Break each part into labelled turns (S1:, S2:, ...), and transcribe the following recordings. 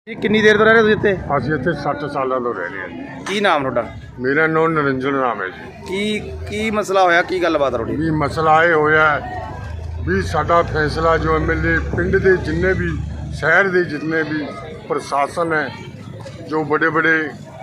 S1: ਜੀ ਕਿੰਨੀ ਦੇਰ ਤੋਂ ਰਹਿ ਰਹੇ ਤੁਸੀਂ ਇੱਥੇ?
S2: ਅਸੀਂ ਇੱਥੇ 60 ਸਾਲਾਂ ਤੋਂ ਰਹਿ ਰਹੇ ਹਾਂ ਜੀ।
S1: ਕੀ ਨਾਮ ਤੁਹਾਡਾ?
S2: ਮੇਰਾ ਨਾਮ ਨਰਿੰਜਨ ਰਾਮ ਹੈ ਜੀ।
S1: ਕੀ ਮਸਲਾ ਹੋਇਆ? ਕੀ ਗੱਲਬਾਤ ਤੁਹਾਡੀ?
S2: ਵੀ ਮਸਲਾ ਇਹ ਹੋਇਆ ਵੀ ਸਾਡਾ ਫੈਸਲਾ ਜੋ ਐਮਐਲਏ ਪਿੰਡ ਦੇ ਜਿੰਨੇ ਵੀ ਸ਼ਹਿਰ ਦੇ ਜਿੰਨੇ ਵੀ ਪ੍ਰਸ਼ਾਸਨ ਹੈ ਜੋ ਬੜੇ ਬੜੇ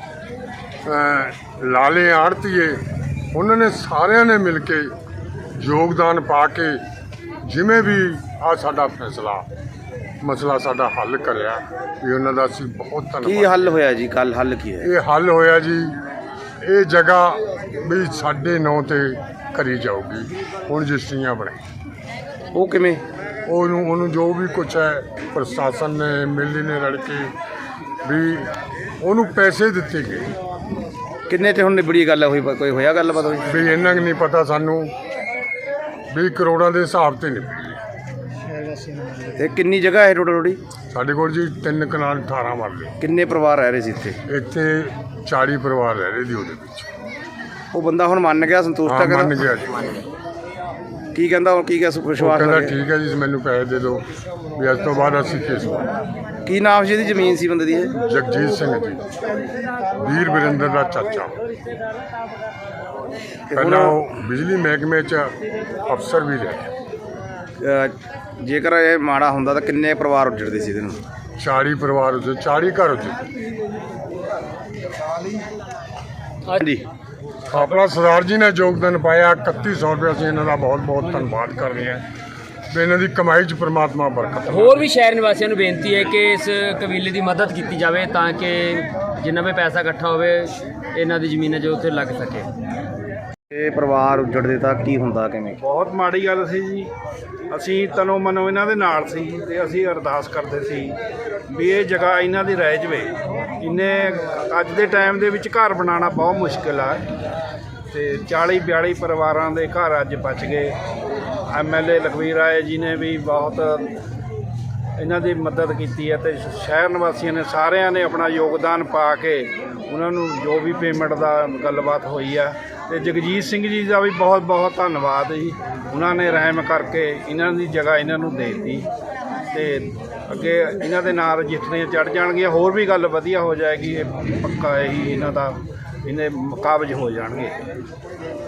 S2: ਲਾਲੇ ਆੜਤੀਏ ਉਹਨਾਂ ਨੇ ਸਾਰਿਆਂ ਨੇ ਮਿਲ ਕੇ ਯੋਗਦਾਨ ਪਾ ਕੇ ਜਿਵੇਂ ਵੀ ਆ ਸਾਡਾ ਫੈਸਲਾ ਮਸਲਾ ਸਾਡਾ ਹੱਲ ਕਰਿਆ ਵੀ ਉਹਨਾਂ ਦਾ ਅਸੀਂ ਬਹੁਤ ਧੰਨਵਾਦ।
S1: ਕੀ ਹੱਲ ਹੋਇਆ ਜੀ? ਕੱਲ ਹੱਲ ਕੀ ਹੈ?
S2: ਇਹ ਹੱਲ ਹੋਇਆ ਜੀ, ਇਹ ਜਗ੍ਹਾ ਵੀ ਸਾਡੇ ਨਾਂ ਤੇ ਕਰੀ ਜਾਊਗੀ ਹੁਣ ਰਜਿਸਟਰੀਆਂ ਬਣੇ।
S1: ਉਹ ਕਿਵੇਂ?
S2: ਉਹਨੂੰ ਜੋ ਵੀ ਕੁਛ ਹੈ ਪ੍ਰਸ਼ਾਸਨ ਨੇ ਐਮਐਲਏ ਨੇ ਰਲ ਕੇ ਵੀ ਉਹਨੂੰ ਪੈਸੇ ਦਿੱਤੇ ਗਏ।
S1: ਕਿੰਨੇ ਤੇ ਹੁਣ ਨਿਬੜੀ ਗੱਲ ਹੋਈ? ਕੋਈ ਹੋਇਆ ਗੱਲਬਾਤ ਹੋਈ?
S2: ਵੀ ਇੰਨਾ ਕੁ ਨਹੀਂ ਪਤਾ ਸਾਨੂੰ ਵੀ ਕਰੋੜਾਂ ਦੇ ਹਿਸਾਬ ਤੇ ਨਿਬੜੀ।
S1: ਤੇ ਕਿੰਨੀ ਜਗ੍ਹਾ ਹੈ ਟੋਟਲ ਤੁਹਾਡੀ?
S2: ਸਾਡੇ ਕੋਲ ਜੀ 3 ਕਨਾਲ 18 ਮਰਲੇ।
S1: ਕਿੰਨੇ ਪਰਿਵਾਰ ਰਹਿ ਰਹੇ ਸੀ ਇੱਥੇ?
S2: ਇੱਥੇ 40 ਪਰਿਵਾਰ ਰਹਿ ਰਹੇ ਜੀ ਉਹਦੇ ਵਿੱਚ।
S1: ਉਹ ਬੰਦਾ ਹੁਣ ਮੰਨ ਗਿਆ, ਸੰਤੁਸ਼ਟ
S2: ਹਾਂ
S1: ਹੈ?
S2: ਮੰਨ ਗਿਆ ਜੀ।
S1: ਕੀ ਕਹਿੰਦਾ ਹੁਣ? ਕੀ ਵਿਸ਼ਵਾਸ
S2: ਕਹਿੰਦਾ
S1: ਰੱਖਿਆ?
S2: ਠੀਕ ਹੈ ਜੀ ਮੈਨੂੰ ਪੈਸੇ ਦੇ ਦਿਓ ਵੀ ਅੱਜ ਤੋਂ ਬਾਅਦ ਅਸੀਂ ਕੇਸ ਪਾਵਾਂਗੇ।
S1: ਕੀ ਨਾਮ ਸੀ? ਇਹਦੀ ਜ਼ਮੀਨ ਸੀ ਬੰਦੇ ਦੀ ਇਹ?
S2: ਜਗਜੀਤ ਸਿੰਘ ਜੀ, ਵੀਰ ਵਰਿੰਦਰ ਦਾ ਚਾਚਾ। ਪਹਿਲਾਂ ਉਹ ਬਿਜਲੀ ਮਹਿਕਮੇ 'ਚ ਅਫਸਰ ਵੀ ਰਹੇ।
S1: ਜੇਕਰ ਇਹ ਮਾੜਾ ਹੁੰਦਾ ਤਾਂ ਕਿੰਨੇ ਪਰਿਵਾਰ ਉੱਜੜਦੇ ਸੀ ਇਹਦੇ ਨੂੰ?
S2: 40 ਪਰਿਵਾਰ ਉੱਤੇ 40 ਘਰ ਉੱਤੇ।
S1: ਹਾਂਜੀ,
S2: ਆਪਣਾ ਸਰਦਾਰ ਜੀ ਨੇ ਯੋਗਦਾਨ ਪਾਇਆ 3100 ਰੁਪਏ। ਅਸੀਂ ਇਹਨਾਂ ਦਾ ਬਹੁਤ ਬਹੁਤ ਧੰਨਵਾਦ ਕਰ ਰਹੇ ਹਾਂ ਤੇ ਇਹਨਾਂ ਦੀ ਕਮਾਈ 'ਚ ਪ੍ਰਮਾਤਮਾ ਬਰਕਤ।
S3: ਹੋਰ ਵੀ ਸ਼ਹਿਰ ਨਿਵਾਸੀਆਂ ਨੂੰ ਬੇਨਤੀ ਹੈ ਕਿ ਇਸ ਕਬੀਲੇ ਦੀ ਮਦਦ ਕੀਤੀ ਜਾਵੇ ਤਾਂ ਕਿ ਜਿੰਨਾ ਵੀ ਪੈਸਾ ਇਕੱਠਾ ਹੋਵੇ ਇਹਨਾਂ ਦੀ ਜ਼ਮੀਨਾਂ ਜੋ ਉੱਥੇ ਲੱਗ ਸਕੇ।
S1: ਇਹ ਪਰਿਵਾਰ ਉੱਜੜਦੇ ਤਾਂ ਕੀ ਹੁੰਦਾ? ਕਿਵੇਂ?
S4: ਬਹੁਤ ਮਾੜੀ ਗੱਲ ਸੀ ਜੀ। ਅਸੀਂ ਤਨੋਂ ਮਨੋਂ ਇਹਨਾਂ ਦੇ ਨਾਲ ਸੀ ਤੇ ਅਸੀਂ ਅਰਦਾਸ ਕਰਦੇ ਸੀ ਵੀ ਇਹ ਜਗ੍ਹਾ ਇਹਨਾਂ ਦੀ ਰਹਿ ਜਵੇ। ਇਹਨੇ ਅੱਜ ਦੇ ਟਾਈਮ ਦੇ ਵਿੱਚ ਘਰ ਬਣਾਉਣਾ ਬਹੁਤ ਮੁਸ਼ਕਿਲ ਆ ਤੇ 40-42 ਪਰਿਵਾਰਾਂ ਦੇ ਘਰ ਅੱਜ ਬਚ ਗਏ। ਐਮਐਲਏ ਲਖਵੀਰ ਰਾਏ ਜੀ ਨੇ ਵੀ ਬਹੁਤ ਇਹਨਾਂ ਦੀ ਮਦਦ ਕੀਤੀ ਹੈ ਤੇ ਸ਼ਹਿਰ ਨਿਵਾਸੀਆਂ ਨੇ ਸਾਰਿਆਂ ਨੇ ਆਪਣਾ ਯੋਗਦਾਨ ਪਾ ਕੇ ਉਹਨਾਂ ਨੂੰ ਜੋ ਵੀ ਪੇਮੈਂਟ ਦਾ ਗੱਲਬਾਤ ਹੋਈ ਆ। ਤੇ ਜਗਜੀਤ ਸਿੰਘ ਜੀ ਦਾ ਵੀ ਬਹੁਤ ਬਹੁਤ ਧੰਨਵਾਦ ਜੀ। ਉਹਨਾਂ ਨੇ ਰਹਿਮ ਕਰਕੇ ਇਹਨਾਂ ਦੀ ਜਗ੍ਹਾ ਇਹਨਾਂ ਨੂੰ ਦੇ ਦਿੱਤੀ ਤੇ ਅੱਗੇ ਇਹਨਾਂ ਦੇ ਨਾਲ ਰਜਿਸਟਰੀਆਂ ਚੜ੍ਹ ਜਾਣਗੀਆਂ। ਹੋਰ ਵੀ ਗੱਲ ਵਧੀਆ ਹੋ ਜਾਏਗੀ। ਇਹ ਪੱਕਾ ਇਹੀ ਇਹਨਾਂ ਦਾ ਇਹਨੇ ਕਾਬਜ਼ ਹੋ ਜਾਣਗੇ।